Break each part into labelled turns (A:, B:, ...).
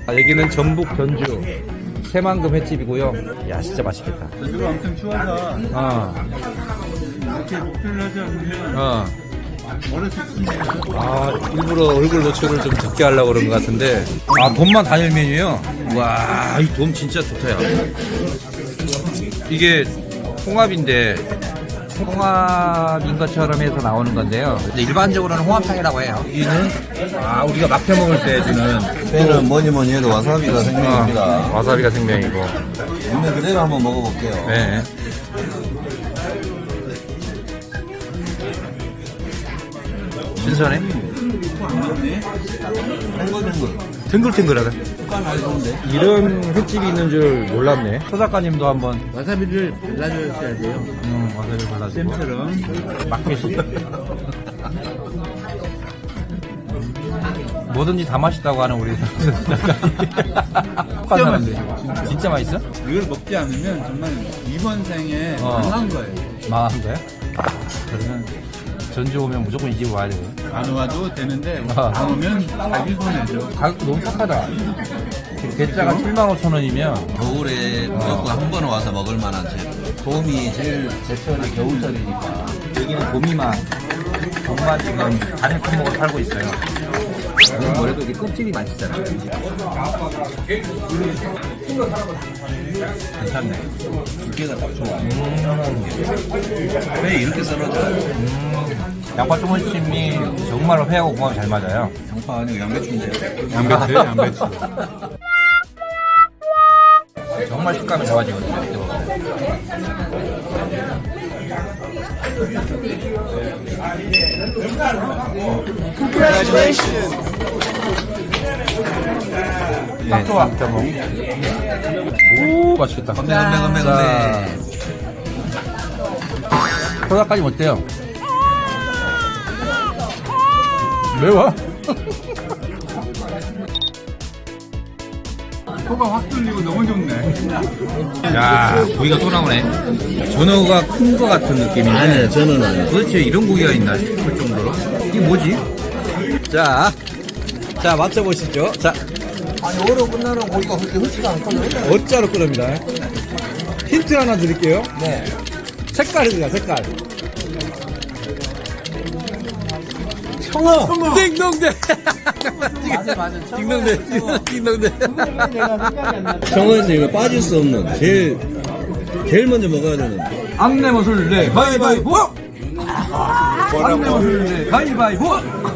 A: 여기는 전북 전주 새만금 횟집이고요. 야, 진짜 맛있겠다.
B: 전주가 엄청 추워서 이렇게 목표를 하지 않으면 멀어 죽습니다.
A: 일부러 얼굴 노출을 좀 적게 하려고 그런 것 같은데. 돔만 단일 메뉴요? 와, 이 돔 진짜 좋다, 야. 이게 홍합인데, 홍합인 것처럼 해서 나오는 건데요. 근데 일반적으로는 홍합탕이라고 해요. 여기는, 우리가 막혀 먹을 때 주는.
C: 빼는 뭐니 해도 와사비가 생명입니다.
A: 와사비가 생명이고.
C: 있는 그대로 한번 먹어볼게요.
A: 네. 신선해?
C: 탱글탱글.
A: 탱글탱글하다.
C: 색깔 많이 좋은데?
A: 이런 횟집이 있는 줄 몰랐네. 서 작가님도 한번.
B: 와사비를 발라줘야 돼요.
A: 와사비 발라주고.
B: 쌤처럼.
A: 막회식. 뭐든지 다 맛있다고 하는 우리
B: 진짜 맛있어.
A: 진짜 맛있어?
B: 이걸 먹지 않으면 정말 이번 생에 망한 거예요.
A: 망한 거야? 그러면 전주 오면 무조건 이 집 와야 돼.
B: 안 와도 되는데 안 오면 자기 손해죠.
A: 가격도 너무 착하다. 대짜가 75,000원이면
C: 겨울에 무조건 한 번 와서 먹을 만한 집. 돔이 제일 제철이 겨울철이니까.
A: 여기는 돔이만 돔만 지금 다른 품목을 팔고 있어요. 이건 뭐래도 이게 껍질이 맛있잖아. 괜찮네.
C: 두께가 딱 좋아. 왜 이렇게 썰어져?
A: 양파 초무침이 정말로 회하고 궁합이 잘 맞아요.
C: 양파 아니고 양배추인데.
B: 양배추.
A: 정말 식감이 좋아지거든요. 이렇게 먹으면. 딱 좋아. 오, 맛있겠다.
C: 건배.
A: 소다까지 어때요? 매워?
B: 코가 확 뚫리고 너무 좋네.
A: 야, 고기가 또 나오네. 전어가 큰 거 같은 느낌인데.
C: 아니요, 저는 아니에요.
A: 도대체 이런 고기가 있나 싶을 정도로. 이게 뭐지? 자, 맞춰보시죠. 자,
C: 아니, 오래 끝나는 고기가 그렇게 흔치가 않거든요.
A: 어짜로 끓입니다. 힌트 하나 드릴게요.
C: 네.
A: 색깔입니다, 색깔.
C: 청어!
A: 띵동대!
C: 맞아.
A: 띵동대.
C: 청어에서 이거 빠질 수 없는, 제일 먼저 먹어야 되는.
A: 악내모술래 가위바위보! 악내모술래 가위바위보!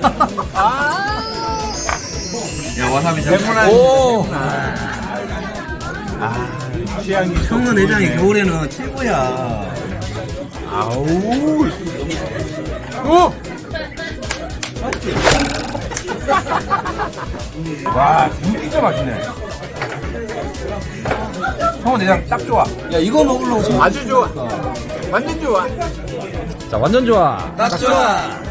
C: 야, 와사비 잘
A: 오!
C: 청어 내장이 겨울에는 최고야.
A: 오! 와, 진짜 맛있네. 청어 내장 딱 좋아.
C: 야, 이거 먹으려고.
B: 아주 좋아. 완전 좋아.
A: 자, 완전 좋아.
C: 딱 좋아.